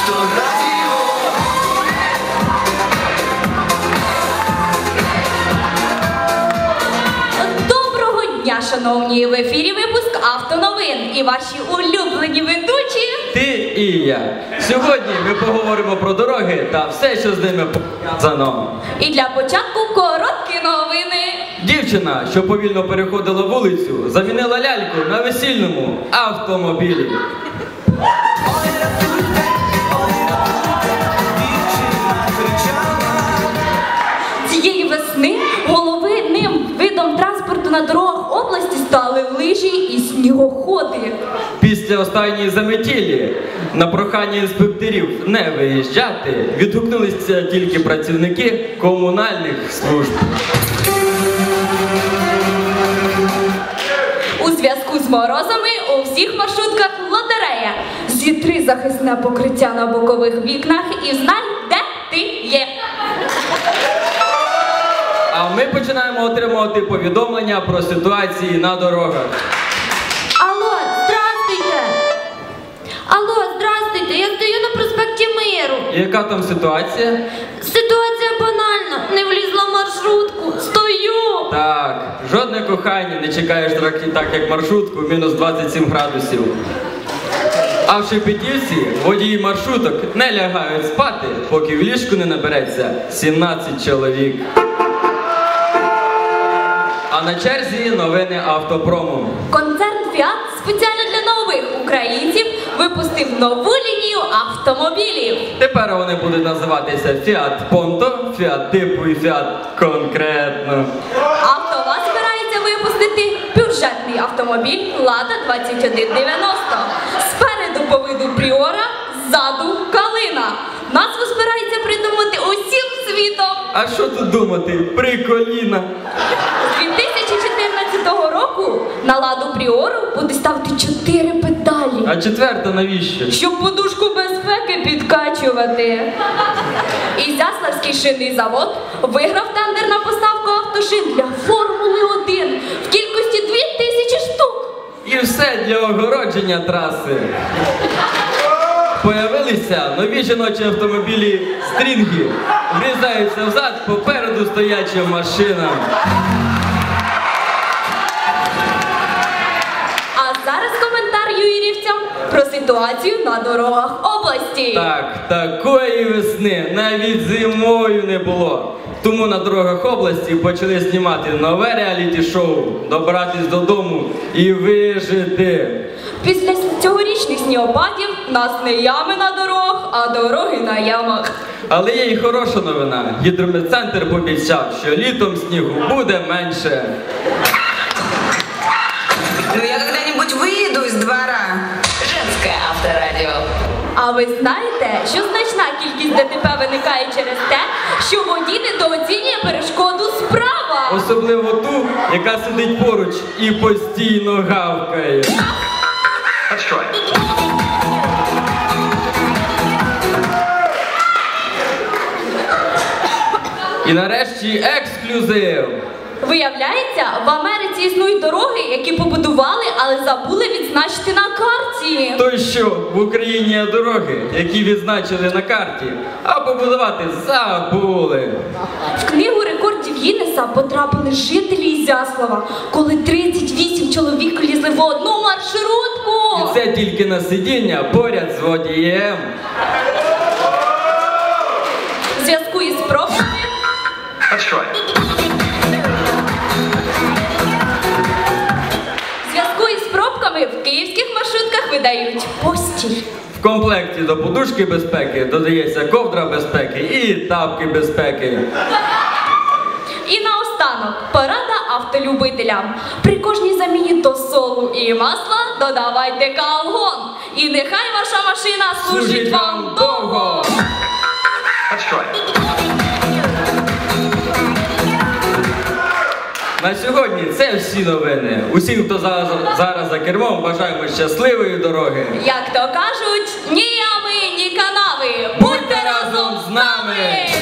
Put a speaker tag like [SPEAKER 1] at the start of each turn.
[SPEAKER 1] Авторадіо.
[SPEAKER 2] Доброго дня, шановні! В ефірі випуск автоновин і ваші улюблені ведучі
[SPEAKER 3] ти і я. Сьогодні ми поговоримо про дороги та все, що з ними пов'язано.
[SPEAKER 2] І для початку короткі новини.
[SPEAKER 3] Дівчина, що повільно переходила вулицю, замінила ляльку на весільному автомобілі.
[SPEAKER 2] Цієї весни головним видом транспорту на дорогах області стали лижі і снігоходи.
[SPEAKER 3] Після останньої заметілі на прохання інспекторів не виїжджати відгукнулися тільки працівники комунальних служб.
[SPEAKER 2] У зв'язку з морозами у всіх маршрутках лотерея. Зітри захисне покриття на бокових вікнах і знай, де ти є.
[SPEAKER 3] А ми починаємо отримувати повідомлення про ситуації на дорогах.
[SPEAKER 2] Алло, здравствуйте! Алло, здравствуйте! Я стою на проспекті Миру.
[SPEAKER 3] Яка там ситуація?
[SPEAKER 2] Ситуація банальна. Не влізла в маршрутку. Стою!
[SPEAKER 3] Так, жодне кохання, не чекаєш так як маршрутку, мінус 27 градусів. А в Шепетівці водії маршруток не лягають спати, поки в ліжку не набереться 17 чоловік. А на черзі новини автопрому.
[SPEAKER 2] Концерн «Фіат» спеціально для нових українців випустив нову лінію автомобілів.
[SPEAKER 3] Тепер вони будуть називатися «Фіат Понто», «Фіат Типу» і «Фіат Конкретно».
[SPEAKER 2] АвтоВАЗ збирається випустити бюджетний автомобіль «Лада 2190». Спереду по виду Пріора, ззаду Калина. Назву збирається придумати усім світом.
[SPEAKER 3] А що тут думати? Приколіна.
[SPEAKER 2] З 2014 року на Ладу Пріору буде ставити 4 педалі.
[SPEAKER 3] А четверта навіщо?
[SPEAKER 2] Щоб подушку безпеки підкачувати. Ізяславський шинний завод виграв тендер на поставку автошин для Формули 1 в кількості 2000 штук.
[SPEAKER 3] І все для огородження траси. Появилися нові жіночі автомобілі «Стрінги». Врізаються взад попереду стоячим машинам.
[SPEAKER 2] А зараз коментар юрівцям про ситуацію на дорогах області.
[SPEAKER 3] Так, такої весни навіть зимою не було. Тому на дорогах області почали знімати нове реаліті-шоу «Добратись додому і вижити».
[SPEAKER 2] Після цьогорічних снігопадів в нас не ями на дорогах, а дороги на ямах.
[SPEAKER 3] Але є і хороша новина. Гідрометцентр пообіцяв, що літом снігу буде менше.
[SPEAKER 4] Ну я когда-нибудь выйду из двора. Женское авторадио.
[SPEAKER 2] А ви знаєте, що значна кількість ДТП виникає через те, що водій недооцінює перешкоду справа?
[SPEAKER 3] Особливо ту, яка сидить поруч і постійно гавкає. І нарешті ексклюзив.
[SPEAKER 2] Виявляється, в Америці існують дороги, які побудували, але забули відзначити на карті.
[SPEAKER 3] То що, в Україні є дороги, які відзначили на карті, а побудувати забули.
[SPEAKER 2] В книгу рекордів Гіннеса потрапили жителі Ізяслава, коли 38 чоловік лізли в одну маршрутку.
[SPEAKER 3] І це тільки на сидіння поряд з водієм.
[SPEAKER 2] В зв'язку із пробками в київських маршрутках видають постіль.
[SPEAKER 3] В комплекті до подушки безпеки додається ковдра безпеки і тапки безпеки.
[SPEAKER 2] І наостанок порада автолюбителям. При кожній заміні до солу і масла додавайте калгон. І нехай ваша машина служить вам довго.
[SPEAKER 3] На сьогодні це всі новини. Усім, хто зараз за кермом, бажаємо щасливої дороги.
[SPEAKER 2] Як то кажуть, ні ями, ні канави. Будьте разом з нами!